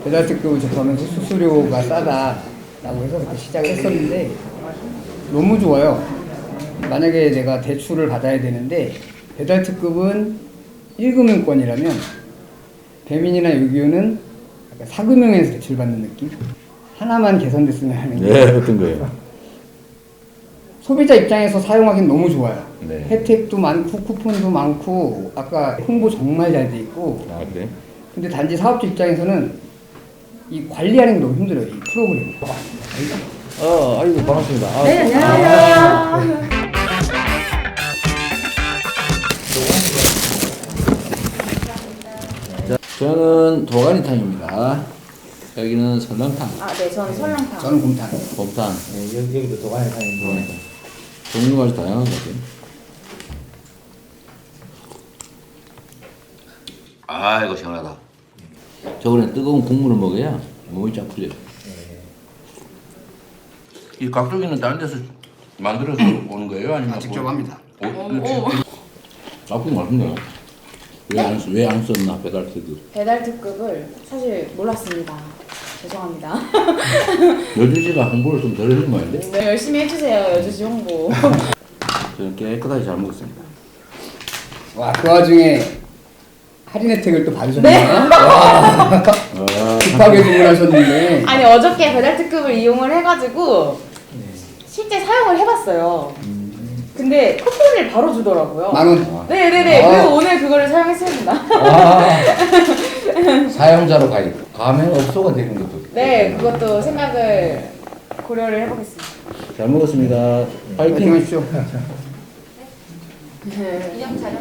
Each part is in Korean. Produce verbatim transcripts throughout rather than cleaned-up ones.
배달 특급을 접하면서 수수료가 싸다라고 해서 그렇게 시작을 했었는데 너무 좋아요. 만약에 내가 대출을 받아야 되는데 배달 특급은 일 금융권이라면 배민이나 유기유는 약간 사 금융에서 대출받는 느낌? 하나만 개선됐으면 하는 게. 네, 어떤 거예요? 소비자 입장에서 사용하기는 너무 좋아요. 네. 혜택도 많고 쿠폰도 많고 아까 홍보 정말 잘 돼 있고. 아, 그래? 근데 단지 사업주 입장에서는 이 관리하는 게 너무 힘들어요. 이 프로그램. 어, 아이고, 반갑습니다. 아, 네, 안녕하세요. 자, 저는 도가니탕입니다. 여기는 설렁탕, 아, 네, 저는 설렁탕. 저는 곰탕. 곰탕, 네, 여기, 여기도 도가니탕인데 도가니탕. 종류가 아주 다양한 것 같아요. 아, 이거 시원하다. 저번에 뜨거운 국물을 먹어야 몸이 쫙 풀려요. 이 각도기는 다른 데서 만들어서 오는 거예요? 아니면 아, 직접 뭐- 합니다. 어, 이거 각도기 맛있네요. 왜안 왜 안 썼나 배달 특급? 배달 특급을 사실 몰랐습니다. 죄송합니다. 여주지가 홍보를 좀 덜 해준 모양인데? 네, 열심히 해주세요, 여주시 홍보. 저는 깨끗하게 잘 먹었습니다. 와, 그 와중에 할인 혜택을 또 받으셨나? 네. 와, 아, 급하게 주문하셨는데. 아니, 어저께 배달 특급을 이용을 해가지고 실제 사용을 해봤어요. 근데 쿠폰을 바로 주더라고요. 만 원. 네네네. 아. 그래서 오늘 그거를 사용했습니다. 아, 사용자로 가입. 가맹업소가 되는 것도. 네, 그것도 생각을 고려를 해보겠습니다. 잘 먹었습니다. 파이팅 파이팅. 하십시오. 기념 촬영.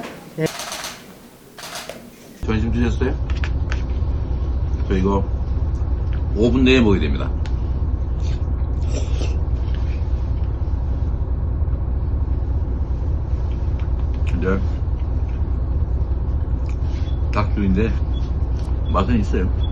점심 드셨어요? 저 이거 오 분 내에 먹어야 됩니다. 근데 닭죽인데 맛은 있어요.